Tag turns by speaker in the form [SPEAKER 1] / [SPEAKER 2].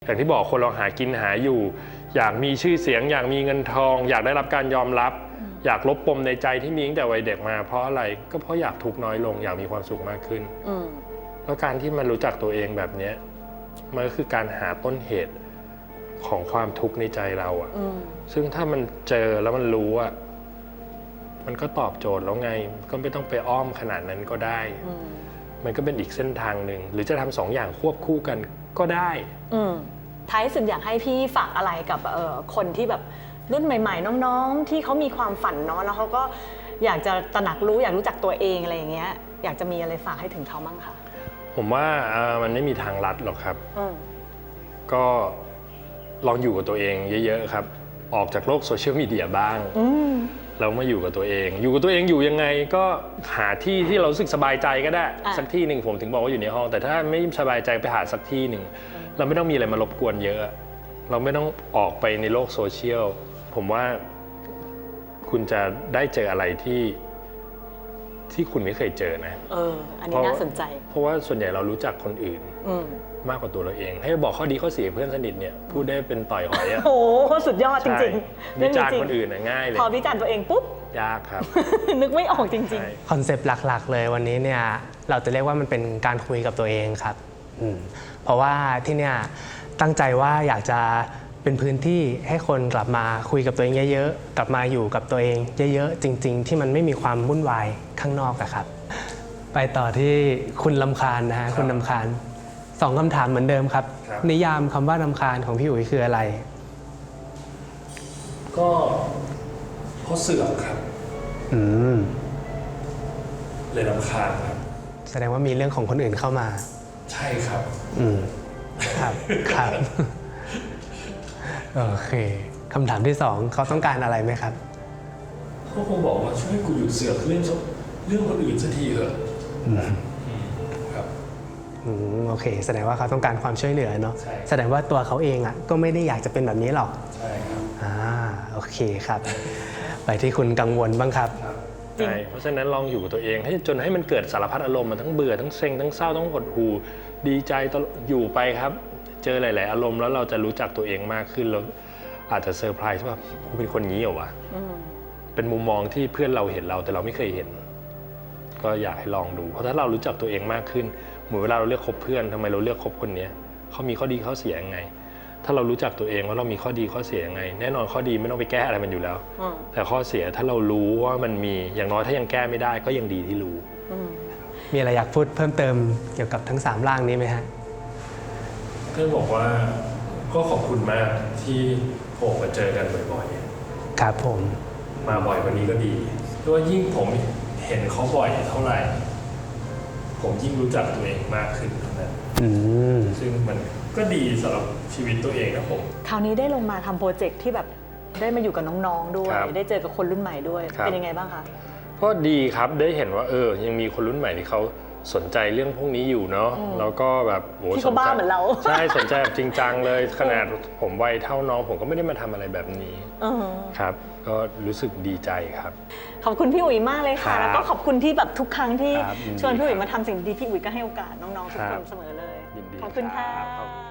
[SPEAKER 1] อย่างที่บอกคนเราหากินหาอยู่อยากมีชื่อเสียงอยากมีเงินทองอยากได้รับการยอมรับอยากลบปมในใจที่มีตั้งแต่วัยเด็กมาเพราะอะไรก็เพราะอยากทุกข์น้อยลงอยากมีความสุขมากขึ้นแล้วการที่มันรู้จักตัวเองแบบนี้มันก็คือการหาต้นเหตุของความทุกข์ในใจเราอะซึ่งถ้ามันเจอแล้วมันรู้อะมันก็ตอบโจทย์แล้วไงก็ไม่ต้องไปอ้อมขนาดนั้นก็ได้มันก็เป็นอีกเส้นทางหนึ่งหรือจะทำสองอย่างควบคู่กันก็ได้
[SPEAKER 2] ท้ายสุดอยากให้พี่ฝากอะไรกับคนที่แบบรุ่นใหม่ๆน้องๆที่เขามีความฝันเนาะแล้วเขาก็อยากจะตระหนักรู้อยากรู้จักตัวเองอะไรอย่างเงี้ยอยากจะมีอะไรฝากให้ถึงเขาบ้างคะ
[SPEAKER 1] ผมว่ามันไม่มีทางลัดหรอกครับก็ลองอยู่กับตัวเองเยอะๆครับออกจากโลกโซเชียลมีเดียบ้างแล้วมาอยู่กับตัวเองอยู่กับตัวเองอยู่ยังไงก็หาที่ที่เรารู้สึกสบายใจก็ได้สักที่หนึ่งผมถึงบอกว่าอยู่ในห้องแต่ถ้าไม่สบายใจไปหาสักที่หนึ่งเราไม่ต้องมีอะไรมารบกวนเยอะเราไม่ต้องออกไปในโลกโซเชียลผมว่าคุณจะได้เจออะไรที่คุณไม่เคยเจอนะ
[SPEAKER 2] อันนี้น่าสนใจ
[SPEAKER 1] เพราะว่าส่วนใหญ่เรารู้จักคนอื่นมากกว่าตัวเราเองให้บอกข้อดีข้อเสียเพื่อนสนิทเนี่ยพูดได้เป็นต่อยหอยอะ
[SPEAKER 2] โอ้โหสุดยอดจริง
[SPEAKER 1] ๆวิจารณ์คนอื่นง่ายเลย
[SPEAKER 2] พอวิจารณ์ตัวเองปุ๊บ
[SPEAKER 1] ยากครับ
[SPEAKER 2] นึกไม่ออกจริง
[SPEAKER 3] ๆคอนเซปต์หลักๆเลยวันนี้เนี่ยเราจะเรียกว่ามันเป็นการคุยกับตัวเองครับเพราะว่าที่เนี่ยตั้งใจว่าอยากจะเป็นพื้นที่ให้คนกลับมาคุยกับตัวเองเยอะๆกลับมาอยู่กับตัวเองเยอะๆจริงๆที่มันไม่มีความวุ่นวายข้างนอกอะครับไปต่อที่คุณรำคาญนะฮะคุณรำคาญ2คำถามเหมือนเดิมครับนิยามคำว่ารำคาญของพี่อุ๋ยคืออะไร
[SPEAKER 1] ก็เพราะเสื่อมครับเลยรำคาญครับ
[SPEAKER 3] แสดงว่ามีเรื่องของคนอื่นเข้ามา
[SPEAKER 1] ใช่ครับ
[SPEAKER 3] ครับโอเคคำถามที่2เขาต้องการอะไรไหมครับ
[SPEAKER 1] เขาคงบอกว่าช่วยกูหยุดเสือกเรื่องคนอื่นสักทีเถอะครับ
[SPEAKER 3] โอเคแสดงว่าเขาต้องการความช่วยเหลือเนาะแสดงว่าตัวเขาเองอ่ะก็ไม่ได้อยากจะเป็นแบบนี้หรอก
[SPEAKER 1] ใช่ครับ
[SPEAKER 3] โอเคครับไปที่คุณกังวลบ้างครับ
[SPEAKER 1] ใช่เพราะฉะนั้นลองอยู่กับตัวเองให้จนให้มันเกิดสารพัดอารมณ์มาทั้งเบื่อทั้งเซ็งทั้งเศร้าทั้งหดหู่ดีใจอยู่ไปครับเจอหลายๆอารมณ์แล้วเราจะรู้จักตัวเองมากขึ้นแล้วอาจจะเซอร์ไพรส์ว่ากูเป็นคนงี้เหรอวะเป็นมุมมองที่เพื่อนเราเห็นเราแต่เราไม่เคยเห็นก็อยากให้ลองดูเพราะถ้าเรารู้จักตัวเองมากขึ้นเหมือนเวลาเราเลือกคบเพื่อนทำไมเราเลือกคบคนนี้เขามีข้อดีข้อเสียยังไงถ้าเรารู้จักตัวเองว่าเรามีข้อดีข้อเสียยังไงแน่นอนข้อดีไม่ต้องไปแก้อะไรมันอยู่แล้วแต่ข้อเสียถ้าเรารู้ว่ามันมีอย่างน้อยถ้ายังแก้ไม่ได้ก็ยังดีที่รู้
[SPEAKER 3] มีอะไรอยากพูดเพิ่มเติมเกี่ยวกับทั้ง3ร่างนี้ไหมฮะ
[SPEAKER 1] เพื่อนบอกว่าก็ขอบคุณมากที่ผมมาเจอกันบ่อย
[SPEAKER 3] ๆครับผม
[SPEAKER 1] มาบ่อยกว่านี้ก็ดีเพราะว่ายิ่งผมเห็นเขาบ่อยเท่าไหร่ผมยิ่งรู้จักตัวเองมากขึ้นเท่านั้นซึ่งมันก็ดีสำหรับชีวิตตัวเองนะผม
[SPEAKER 2] คราวนี้ได้ลงมาทำโปรเจกต์ที่แบบได้มาอยู่กับน้องๆด้วยได้เจอกับคนรุ่นใหม่ด้วยเป็นยังไงบ้างคะ
[SPEAKER 1] ก็ดีครับได้เห็นว่ายังมีคนรุ่นใหม่ที่เขาสนใจเรื่องพวกนี้อยู่เนาะแล้วก็แบบ
[SPEAKER 2] ที่เขาบ้าเหมือนเรา
[SPEAKER 1] ใช่สนใจแบบจริงจังเลยขนาดผมวัยเท่าน้องผมก็ไม่ได้มาทำอะไรแบบนี้ครับก็รู้สึกดีใจครับ
[SPEAKER 2] ขอบคุณพี่อุ๋ยมากเลยค่ะแล้วก็ขอบคุณที่แบบทุกครั้งที่ชวนพี่อุ๋ยมาทำสิ่งดีพี่อุ๋ยก็ให้โอกาสน้องๆทุกคนเสมอเลยขอบคุณค่ะ